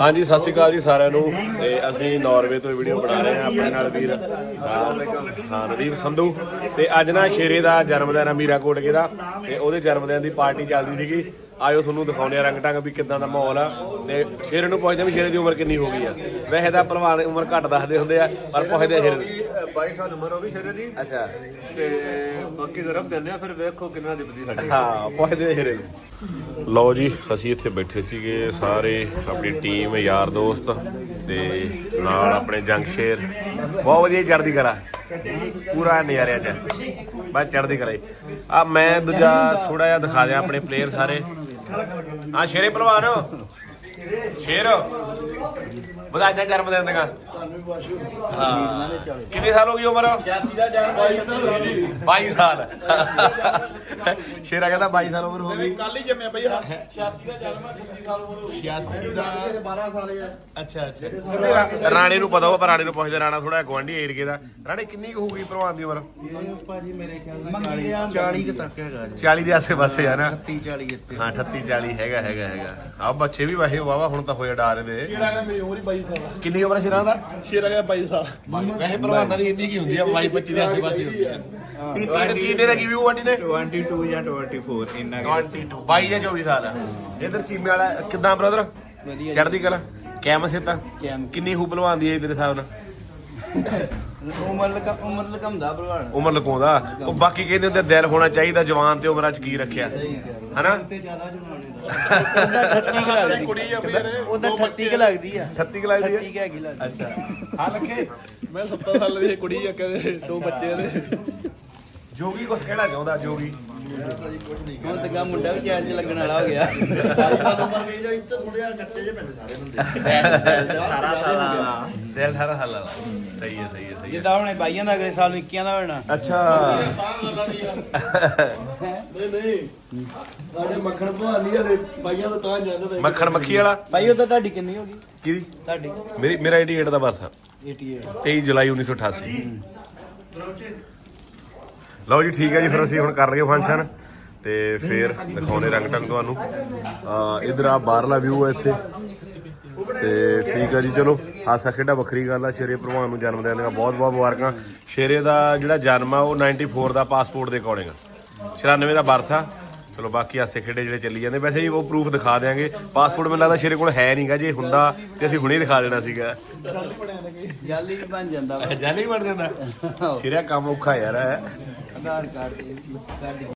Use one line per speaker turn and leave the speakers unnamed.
हाँ जी, सत श्री अकाल जी सारिਆਂ ਨੂੰ ਤੇ ਅਸੀਂ ਨਾਰਵੇ ਤੋਂ ਵੀਡੀਓ ਬਣਾ ਰਹੇ ਹਾਂ ਆਪਣੇ ਨਾਲ ਵੀਰ ਹਾਂ ਨਦੀਪ ਸੰਧੂ ਤੇ ਅੱਜ ਨਾ ਸ਼ੇਰੇ ਦਾ ਜਨਮ ਦਿਨ ਆ ਮੀਰਾ ਕੋਟਕੇ ਦਾ ਤੇ ਉਹਦੇ ਜਨਮ ਦਿਨ ਦੀ ਪਾਰਟੀ ਚੱਲਦੀ ਸੀਗੀ। ਆਇਓ ਤੁਹਾਨੂੰ ਦਿਖਾਉਂਦੇ ਆ ਰੰਗ ਢੰਗ ਵੀ ਕਿੱਦਾਂ ਦਾ ਮਾਹੌਲ ਆ ਤੇ ਸ਼ੇਰੇ ਨੂੰ ਪੁੱਛਦੇ ਵੀ ਸ਼ੇਰੇ ਦੀ ਉਮਰ ਕਿੰਨੀ ਹੋ ਗਈ ਆ। ਵੈਸੇ ਤਾਂ ਭਲਵਾਨ ਉਮਰ ਘੱਟ ਦੱਸਦੇ ਹੁੰਦੇ ਆ ਪਰ ਪੁੱਛਦੇ ਆ ਸ਼ੇਰੇ
22 ਸਾਲ ਉਮਰ ਹੋ ਗਈ ਸ਼ੇਰੇ ਦੀ।
ਅੱਛਾ
ਤੇ ਬਾਕੀ ਜ਼ਰਫ ਦਿੰਦੇ ਆ ਫਿਰ ਵੇਖੋ ਕਿੰਨਾ ਦੀ ਬਦੀ ਸਾਡੀ।
ਹਾਂ ਪੁੱਛਦੇ ਆ ਸ਼ੇਰੇ ਨੂੰ। ਲਓ ਜੀ ਅਸੀਂ ਇੱਥੇ ਬੈਠੇ ਸੀਗੇ ਸਾਰੇ ਆਪਣੀ ਟੀਮ ਯਾਰ ਦੋਸਤ ਤੇ ਨਾਲ ਆਪਣੇ ਜੰਗਸ਼ੇਰ ਬਹੁਤ ਵਧੀਆ ਚੜ੍ਹਦੀ ਕਲਾ ਪੂਰਾ ਨਜ਼ਾਰਿਆਂ ਚ ਬਸ ਚੜ੍ਹਦੀ ਕਲਾ। ਆ ਮੈਂ ਦੂਜਾ ਥੋੜਾ ਜਿਹਾ ਦਿਖਾ ਦਿਆਂ ਆਪਣੇ ਪਲੇਅਰ ਸਾਰੇ। ਹਾਂ ਸ਼ੇਰੇ ਪਹਿਲਵਾਨ ਸ਼ੇਰ ਵਧਾਈਆਂ ਜਨਮ ਦਿਨ ਦੀਆਂ। ਹਾਂ ਕਿੰਨੇ ਸਾਲ ਹੋ ਗਈ ਉਮਰ?
86 ਦਾ ਜਨਮ
22 ਸਾਲ ਸ਼ੇਰਾ ਕਹਿੰਦਾ 22 ਸਾਲ ਉਮਰ ਹੋ ਗਈ।
ਕੱਲ ਹੀ ਜੰਮਿਆ ਬਈ 86 ਦਾ ਜਨਮ 36 ਸਾਲ ਉਮਰ ਹੋ ਗਈ।
86 ਦਾ
12 ਸਾਲ ਹੈ।
ਅੱਛਾ ਅੱਛਾ ਰਾਣੇ ਨੂੰ ਪਤਾ ਹੋਊ ਪਰ ਰਾਣੇ ਨੂੰ ਪੁੱਛਦੇ। ਰਾਣਾ ਥੋੜਾ ਗੁਆਂਢੀ ਏਰੀਏ ਦਾ। ਰਾਣੇ ਕਿੰਨੀ ਕੁ ਹੋਊਗੀ ਭਲਵਾਨ ਦੀ ਉਮਰ?
ਭਾਜੀ ਮੇਰੇ ਖਿਆਲ 40 ਤੱਕ ਹੈਗਾ ਜੀ।
40 ਦੇ ਆਸੇ ਪਾਸੇ ਆ ਨਾ।
30 40 ਇੱਥੇ।
ਹਾਂ 38 40 ਹੈਗਾ ਆ ਬੱਚੇ ਵੀ ਵਾਹੇ ਵਾਵਾ ਹੁਣ ਤਾਂ ਹੋਏ ਡਾਰੇ ਦੇ।
ਸ਼ੇਰਾ ਦਾ ਮੇਰੀ ਉਮਰ ਹੀ 22 ਸਾਲ।
ਕਿੰਨੀ ਉਮਰ ਸ਼ੇਰਾ ਦਾ?
ਸ਼ੇਰਾ ਦਾ 22 ਸਾਲ।
ਵੈਸੇ ਭਲਵਾਨਾਂ ਦੀ ਇੰਨੀ ਕੀ ਹੁੰਦੀ ਆ 22 25 ਦੇ ਆਸੇ ਪਾਸੇ ਹੁੰਦੀ ਆ। ਤੀਨੇ ਦਾ ਕੀ ਵੀ ਆਂਟੀ ਨੇ
22 ਜਾਂ 24 ਇੰਨਾ
22 ਜਾਂ 24 ਸਾਲ ਆ। ਇਧਰ ਚੀਮੇ ਵਾਲਾ ਕਿੱਦਾਂ ਬ੍ਰਦਰ?
ਵਧੀਆ
ਚੜ੍ਹਦੀ ਕਲਾ ਕੈਮ ਸਿੱਤਾ ਕਿੰਨੀ ਹੂ ਭਲਵਾਨ ਦੀ ਹੈ ਤੇਰੇ ਹਿਸਾਬ ਨਾਲ?
ਉਮਰ ਲਕਮਦਾ ਭਲਵਾਨ।
ਉਮਰ ਲਕਾਉਂਦਾ ਉਹ ਬਾਕੀ ਕਹਿੰਦੇ ਹੁੰਦੇ ਦਿਲ ਹੋਣਾ ਚਾਹੀਦਾ ਜਵਾਨ ਤੇ ਉਮਰਾਂ ਚ ਕੀ ਰੱਖਿਆ ਹਨਾ।
ਤੇ ਜ਼ਿਆਦਾ ਜਵਾਨੇ ਦਾ 38 ਕ ਲੱਗਦੀ ਕੁੜੀ ਆ ਮੇਰੇ। ਉਹਦਾ 38 ਕ ਲੱਗਦੀ ਆ।
38 ਲੱਗਦੀ
38 ਹੈਗੀ ਲੱਗਦੀ।
ਅੱਛਾ ਹਾਂ ਲੱਖੇ
ਮੈਂ 70 ਸਾਲ ਦੀ ਕੁੜੀ ਆ ਕਹਿੰਦੇ 2 ਬੱਚੇ ਨੇ।
ਜੋਗੀ ਕੁਛ ਕਹਿਣਾ ਚਾਹੁੰਦਾ ਜੋਗੀ?
ਹੁਣ ਤੇ ਗਾ ਮੁੰਡਾ ਵੀ ਚੈਨ 'ਚ ਲੱਗਣ ਵਾਲਾ ਹੋ ਗਿਆ।
ਦਿਲ 18 ਸਾਲਾਂ ਦਾ। ਸਹੀ ਹੈ
ਜਿੱਦਾਂ ਹੁਣੇ ਬਾਈਆਂ ਦਾ ਅਗਲੇ ਸਾਲ 21 ਦਾ ਹੋਣਾ।
ਅੱਛਾ
ਸਾਡੇ ਮੱਖਣ ਭਵਾਨੀ ਵਾਲੇ ਬਾਈਆਂ ਦਾ ਤਾਂ ਜਾਂਦਾ।
ਮੱਖਣ ਮੱਖੀ ਵਾਲਾ
ਬਾਈ ਉਹ ਤਾਂ ਤੁਹਾਡੀ ਕਿੰਨੀ ਹੋ ਗਈ?
ਕਿਹਦੀ?
ਤੁਹਾਡੀ
ਮੇਰਾ 88 ਦਾ ਬਰਥ ਆ
88।
23 ਜੁਲਾਈ 1988। ਲਓ ਜੀ ਠੀਕ ਹੈ ਜੀ ਫਿਰ ਅਸੀਂ ਹੁਣ ਕਰ ਲਈਏ ਫੰਕਸ਼ਨ ਤੇ ਫਿਰ ਦਿਖਾਉਣੇ ਰੰਗ ਢੰਗ ਤੁਹਾਨੂੰ। ਇਧਰ ਆ ਬਾਹਰਲਾ ਵਿਊ ਹੈ ਇੱਥੇ ਤੇ ਠੀਕ ਹੈ ਜੀ। ਚਲੋ ਹਾਸਾ ਖੇਡਾ ਵੱਖਰੀ ਗੱਲ ਆ। ਸ਼ੇਰੇ ਭਲਵਾਨ ਨੂੰ ਜਨਮ ਦਿਨ ਦੀਆਂ ਬਹੁਤ ਬਹੁਤ ਮੁਬਾਰਕਾਂ। ਸ਼ੇਰੇ ਦਾ ਜਿਹੜਾ ਜਨਮ ਆ ਉਹ 94 ਦਾ ਪਾਸਪੋਰਟ ਦੇ ਅਕੋਰਡਿੰਗ 94 ਦਾ ਬਰਥ ਆ। ਚਲੋ ਬਾਕੀ ਹਾਸੇ ਖੇਡੇ ਜਿਹੜੇ ਚੱਲੀ ਜਾਂਦੇ ਵੈਸੇ ਉਹ ਪ੍ਰੂਫ ਦਿਖਾ ਦਿਆਂਗੇ। ਪਾਸਪੋਰਟ ਮੈਨੂੰ ਲੱਗਦਾ ਸ਼ੇਰੇ ਕੋਲ ਹੈ ਨਹੀਂਗਾ। ਜੇ ਹੁੰਦਾ ਤੇ ਅਸੀਂ ਹੁਣੇ ਦਿਖਾ ਦੇਣਾ ਸੀਗਾ।
ਜਾਲੀ ਵੀ ਬਣ ਜਾਂਦਾ।
ਜਾਲੀ ਬਣ ਜਾਂਦਾ ਸ਼ੇਰਾ ਕੰਮ ਔਖਾ ਯਾਰ।
ਆਧਾਰ ਕਾਰਡ